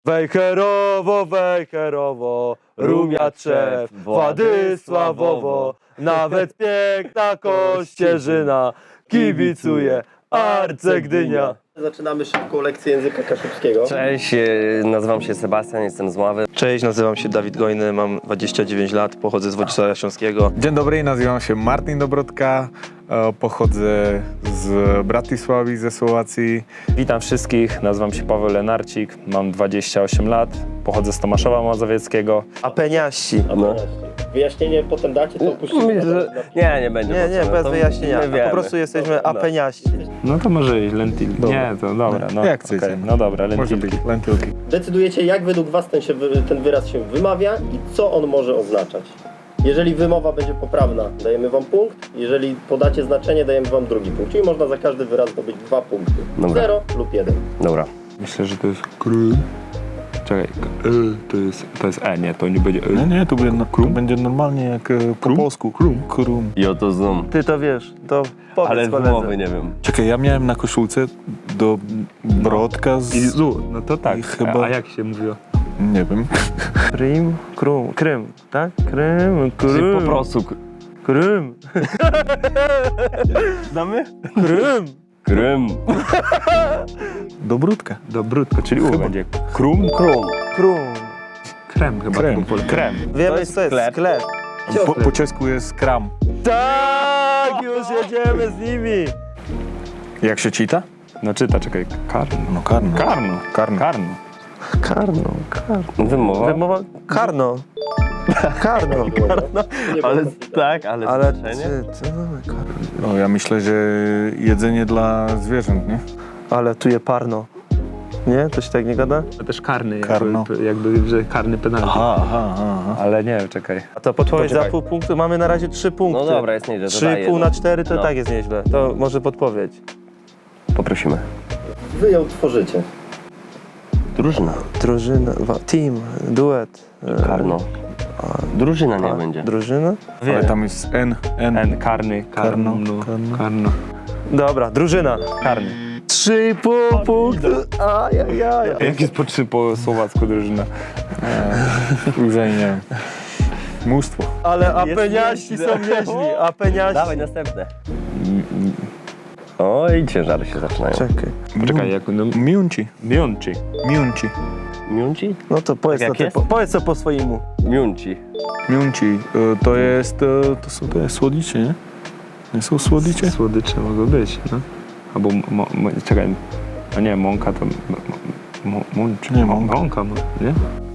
Wejherowo, Rumiaczew, Władysławowo, nawet piękna Kościerzyna kibicuje Arce Gdynia. Zaczynamy szybką lekcję języka kaszubskiego. Cześć, nazywam się Sebastian, jestem z Ławy. Cześć, nazywam się Dawid Gojny, mam 29 lat, pochodzę z Wodzisława Śląskiego. Dzień dobry, nazywam się Martin Dobrodka, pochodzę z Bratysławy, ze Słowacji. Witam wszystkich, nazywam się Paweł Lenarcik, mam 28 lat, pochodzę z Tomaszowa Mazowieckiego. Apeniaści. No. Wyjaśnienie potem dacie, to opuścimy. Nie będzie. Nie, potrzebne, bez to wyjaśnienia. my wiemy. Po prostu jesteśmy apeniaści. No to może iść, lentil. Dobra. Nie, to dobra, no. Jak chcecie. Okay. No dobra, Może lentilki. być lentilki. Decydujecie, jak według was ten wyraz się wymawia i co on może oznaczać. Jeżeli wymowa będzie poprawna, dajemy wam punkt. Jeżeli podacie znaczenie, dajemy wam drugi punkt. Czyli można za każdy wyraz zdobyć 2 punkty. Dobra. 0 lub 1. Dobra. Myślę, że to jest krym. Czekaj, to jest nie, to nie będzie Nie, to będzie normalnie jak po polsku. Krum. I oto zoom. Ty to wiesz, to powiedz Ale koledze. wymowy nie wiem. Czekaj, ja miałem na koszulce do Brodka z... no to tak, I chyba- a jak się mówiło? Nie wiem. Krym, tak? Czyli po prostu Krym. znamy? Krym. Krym. Do Brodka. Dobrutko, czyli u będzie krum, Krum. krem chyba. Krem. Krem. Wiemy, jest co jest sklep. sklep. Po czesku jest kram. Tak, już jedziemy z nimi. Jak się czyta? No czyta, czekaj, karno. No karno. Karno. Karno. Wymowa. Wymowa karno. Karno. Ale tak, ale Ale znaczenie? ty, karno. No ja myślę, że jedzenie dla zwierząt, nie? Ale tu je parno. Nie? To się tak nie gada? To też karny, Karno. jakby że karny penalty. Aha. Ale nie, czekaj. A to podpowiedź za Poczekaj. pół punktu. Mamy na razie 3 punkty. No dobra, jest nieźle, to daj 3,5 na jedno. 4 to No. tak jest nieźle. To może podpowiedź. Poprosimy. Wy ją tworzycie. Drużyna. Drużyna, team, duet. Karno. Drużyna nie będzie. Drużyna? Ale tam jest N. Karny, Karno. karno. Dobra, drużyna. Karny. 3,5 punktu. Ajajaj. Jak jest po 3 po słowacku drużyna? Już nie wiem. Mnóstwo. Ale apeniaści są nieźli. Apeniaści. Dawaj następne. Oj, ciężary się zaczynają. Czekaj. Poczekaj, jak no, Miunci. Miąci. Miunci? No to powiedz, Tak to, jak ty, jest? powiedz to po swojemu. Miunci. Miunci. To jest... To są te słodycze, nie? Nie są słodycze? Słodycze mogą być, no. Albo, czekaj, a nie, mąka to... Nie, mąka. Mąka, nie?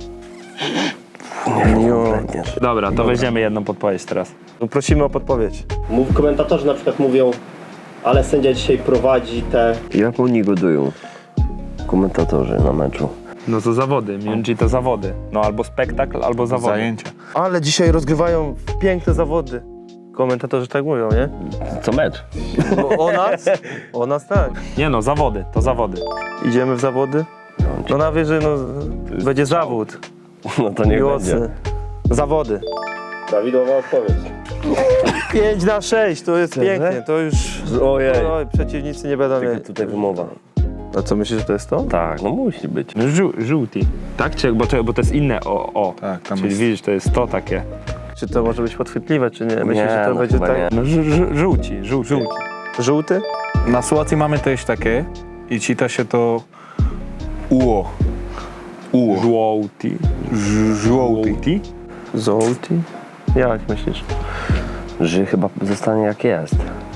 Kompletnie. Dobra, to weźmiemy jedną podpowiedź teraz. No prosimy o podpowiedź. Komentatorzy na przykład mówią, ale sędzia dzisiaj prowadzi te... Jak oni godują? Komentatorzy na meczu. No to zawody, między to zawody. No albo spektakl, albo zawody. Zajęcia. Ale dzisiaj rozgrywają piękne zawody. Komentatorzy tak mówią, nie? Co mecz? No, o nas? O nas tak. Nie no, zawody, to zawody. Idziemy w zawody? No na wieży, no będzie zawód. No to niech będzie. Miłosny. Zawody. Prawidłowa odpowiedź. 5 na 6, to jest pięknie, to już... Ojej. Oj, przeciwnicy nie będą Tylko mieli. tutaj wymowa. A co, myślisz, że to jest to? Tak, no musi być. No żółty. Tak? Czy, bo to jest inne o. Tak, tam Czyli jest... widzisz, to jest to takie. Czy to może być podchwytliwe, czy nie? Myślisz, że to no będzie chyba tak... nie. No żółci. Żółty? Na Słowacji mamy też takie i czyta się to uo. Żółty. Żółty. Żółty? Jak myślisz? Że chyba zostanie jak jest.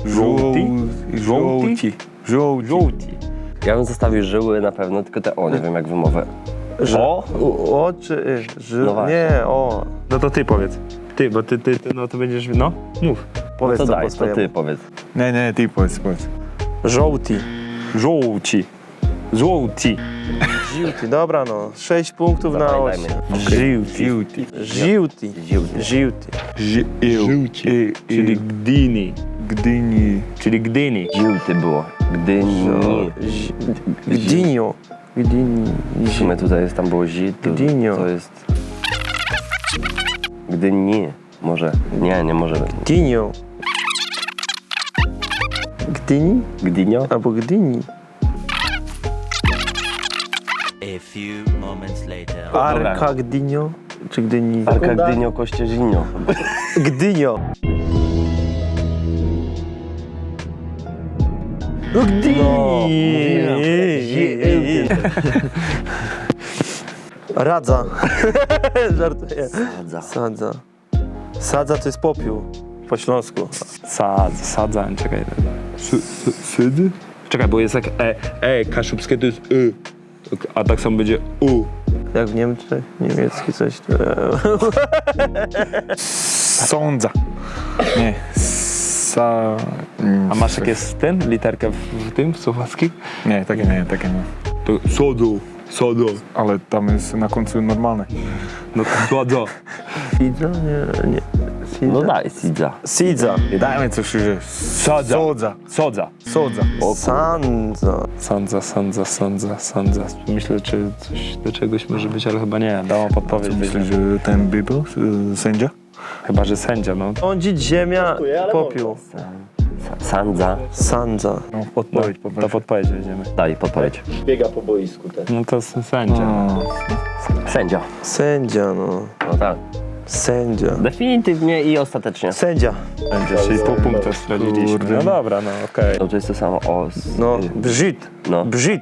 Żółty. Żółty. Ja bym zostawił żyły na pewno, tylko te o, nie wiem jak wymowę. O? O czy No właśnie. nie, o. No to ty powiedz. Ty, bo ty no to będziesz, no, mów. Powiedz To to daj, po to swojemu. ty powiedz. Nie, ty powiedz. Żółty. Żółci. Żółci. Żółty, dobra no. 6 punktów na Dawaj, 8. dajmy. Żółty. Żółty. Żółty. Żółty. Czyli Gdyni. Gdyni. Czyli Gdyni. Żółty było. Gdyni. Gdynio. Gdyni. W sumie tutaj jest, tam było zi, Gdynio. to jest... Gdyni. Może. Nie może być. Gdynio. Gdyni? Gdynio? Albo Gdyni. A few moments later. Arka Gdynio? Czy Gdyni? Arka Gdynio, Kościeżinio. Gdynio. No Gdyni. Radza. Żartuję. Sadza. Sadza to jest popiół po śląsku. Sadza, czekaj. Sydy? Czekaj, bo jest jak kaszubskie to jest a tak samo będzie u. Jak w Niemczech, niemiecki coś. Sądza. Nie. A masz jak jest ten, literkę w tym, w słowackim? Nie, takie nie. To sodo. Ale tam jest na końcu normalne. No to sodo. Sidza? Nie. Sidza? No daj, Sidza. Sidza. Dajmy coś, że... Sodza. Sodza. Sandza. Myślę, czy coś do czegoś może być, ale chyba nie. Dałam podpowiedź. Myślę, że ten Bibel, sędzia? Chyba, że sędzia, no. Sądzić ziemia, Dziękuję, ale popiół. Sandza. Sandza. No, podpowiedź, To podpowiedź weźmiemy. Daj, podpowiedź. Biega po boisku też. No to sędzia. Sędzia. Sędzia, no. No tak. Sędzia. Definitywnie i ostatecznie. Sędzia. Sędzia, czyli pół punkta straciliśmy. No dobra, no okej. No to jest to samo. O, No, brzyd. No. Brzyd.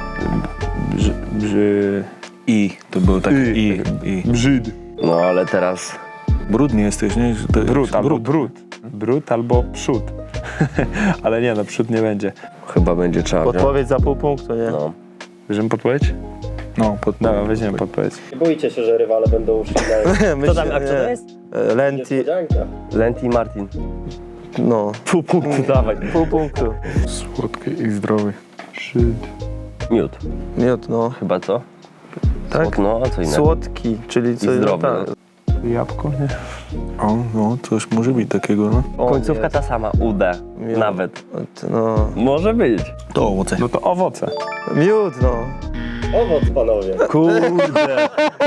I. To było tak I. Brzyd. No ale teraz... Brudny jesteś, nie? Że to Brud jest albo brud. Brud albo przód. Ale nie, no przód nie będzie. Chyba będzie trzeba wziąć. Podpowiedź za pół punktu, nie? No. Bierzemy podpowiedź? No, Dobra, weźmiemy podpowiedź. Nie bójcie się, że rywale będą szli na Co tam, a kto to jest? Lenti. niespodzianka. Lenty i Martin. No. Pół punktu, dawaj. Pół punktu. słodki i zdrowy. Miód. Miód, no. Chyba co? Tak? No, a co innego? Słodki, czyli co zdrowy, no, tak. Jabłko, nie? O, no, coś może być takiego, no. O, Końcówka jest. ta sama, UD. Miód. Nawet. No. Może być. To owoce. No to owoce. Miód, no. Owoc, panowie. Kurde.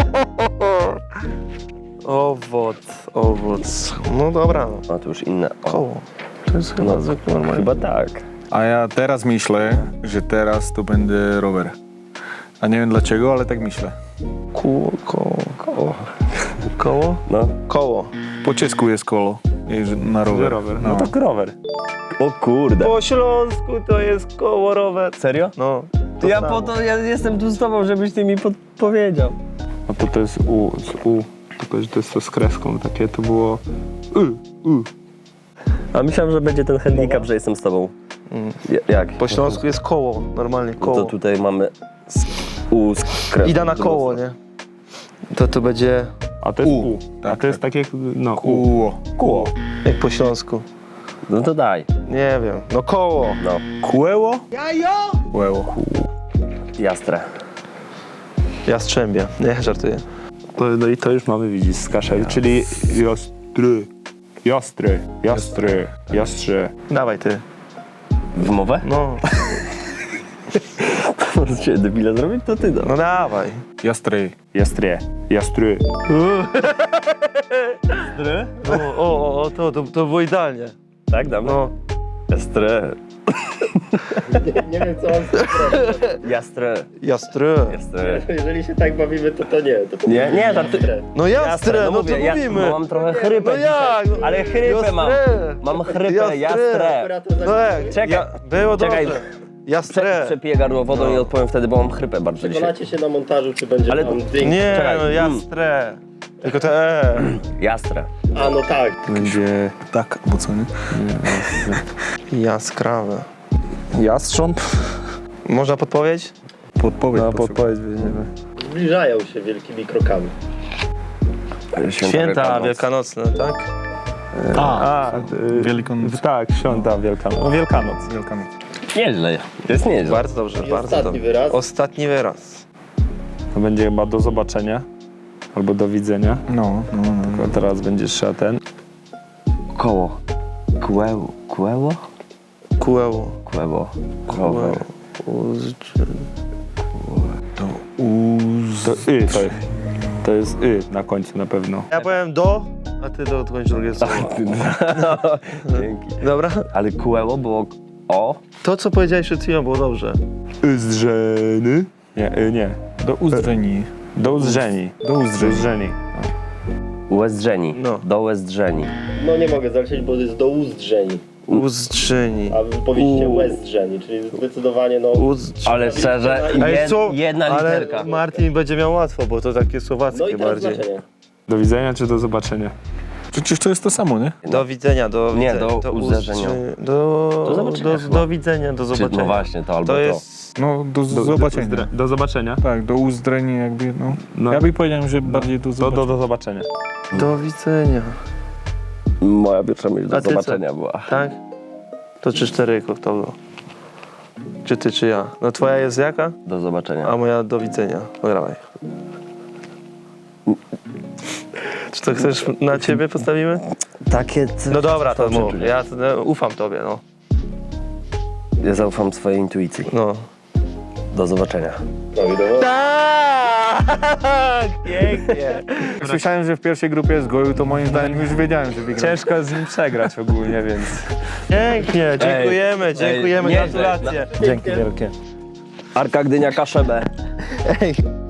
Owoc. No dobra. No to już inne. O, Koło. To jest chyba zwykle normalnie. chyba tak. A ja teraz myślę, że teraz to będzie rower. A nie wiem dlaczego, ale tak myślę. Koło. No. Koło. Po czesku jest kolo. Jest na rower. Rower. No to rower. O kurde. Po śląsku to jest koło rower. Serio? No. Ja samo. po to ja jestem tu z tobą, żebyś ty mi podpowiedział. No to jest U, tylko że to jest to z kreską takie, to było A myślałem, że będzie ten handicap, że jestem z tobą. Jak? Po śląsku jest koło. Normalnie No koło. to tutaj mamy U z kreską. Ida na koło, nie? To będzie a to jest U. A Tak, to jest takie, no U. Kóło. Kóło. jak po śląsku. No to daj. Nie wiem. No koło. No. Kłeło? Kłeło. Jastre. Jastrzębia. Nie, żartuję. No i to już mamy, widzieć, z kaszel, czyli jastrze. Dawaj ty. Wymowę? No. Może cię debila zrobić, to ty da. No dawaj. Jastrej. Jastry. No, to było idealnie. Tak, damy? No. Jastre. Nie wiem, co on zrobił. Jastre. Jastre. Jastre. Jeżeli się tak bawimy, to nie. To Nie, żarty... No jastre, no to mówię, mówimy. bo mam trochę chrypę No dzisiaj. jak? No, Ale chrypę mam. jastre. Mam chrypę, Jastre. jastre. No jak? Czekaj. Było Czekaj. dobrze. Jastre. Przepiję gardło wodą i odpowiem wtedy, bo mam chrypę bardzo dzisiaj. Przekonacie się na montażu, czy będzie Ale- tam dźwięk. Nie, Czekaj. no jastre. Tylko te Jastre. A no tak. Będzie Tak, bo co nie? Jaskrawe. jastrząb. Można podpowiedź? Podpowiedź. No potrzeba. podpowiedź weźmiemy. Zbliżają się wielkimi krokami. Święta wielkanocne, tak? Wielkanoc. Tak, święta Wielkanoc. Wielkanoc. Wielkanoc. Nieźle. Jest nieźle. Bardzo dobrze, I bardzo ostatni dobrze. wyraz. Ostatni wyraz. To będzie chyba do zobaczenia. Albo do widzenia. No. A teraz będzie trzeba ten. Koło. Kłeło. Kłeło? Kółeło. Kłeło. Rower. To uz... To jest na końcu na pewno. Ja powiem do, a ty dokończ drugie słowo. Dzięki. Dobra? Ale kłeło było o. To, co powiedziałeś przed chwilą, było dobrze. Zdrzeny. Nie, nie. Do Uzdrzeni. Do Uzdrzeni. Do Uzdrzeni. Uzdrzeni. Łezdrzeni. No. Do Łezdrzeni. No nie mogę zalecieć, bo to jest do Uzdrzeni, Uzdrzeni. a wy powiedzieliście Łezdrzeni, czyli zdecydowanie no... Ale szczerze, jedna ale literka. Martin będzie miał łatwo, bo to takie słowackie No i teraz bardziej. znaczenie. Do widzenia czy do zobaczenia? Przecież to jest to samo, nie? Do widzenia, do Nie, widzenia, do uderzenia. Do zobaczenia chyba. do widzenia, do Czy, zobaczenia. no właśnie, to albo To to. jest... No, do zobaczenia. Do zobaczenia. Tak, do Uzdrzeni jakby, no. No. Ja bym powiedział, że bardziej do Do zobaczenia. zobaczenia. Do widzenia. Moja pierwsza myśl do A ty co? zobaczenia była. Tak? To 3-4 kto było? Czy ty, czy ja? No twoja jest jaka? Do zobaczenia. A moja do widzenia. Dawaj. Czy to chcesz na ciebie postawimy? Takie No dobra, to Dobrze mów. czuję. Ja ufam tobie, no. Ja zaufam swojej intuicji. No. Do zobaczenia. Prawidłowo. Tak! Pięknie. Jak słyszałem, że w pierwszej grupie jest goju, to moim zdaniem już wiedziałem, że wygram. Ciężko z nim przegrać ogólnie, więc... Pięknie, dziękujemy, nieźle. gratulacje. Dzięki wielkie. Arka Gdynia Kaszebę. Ej,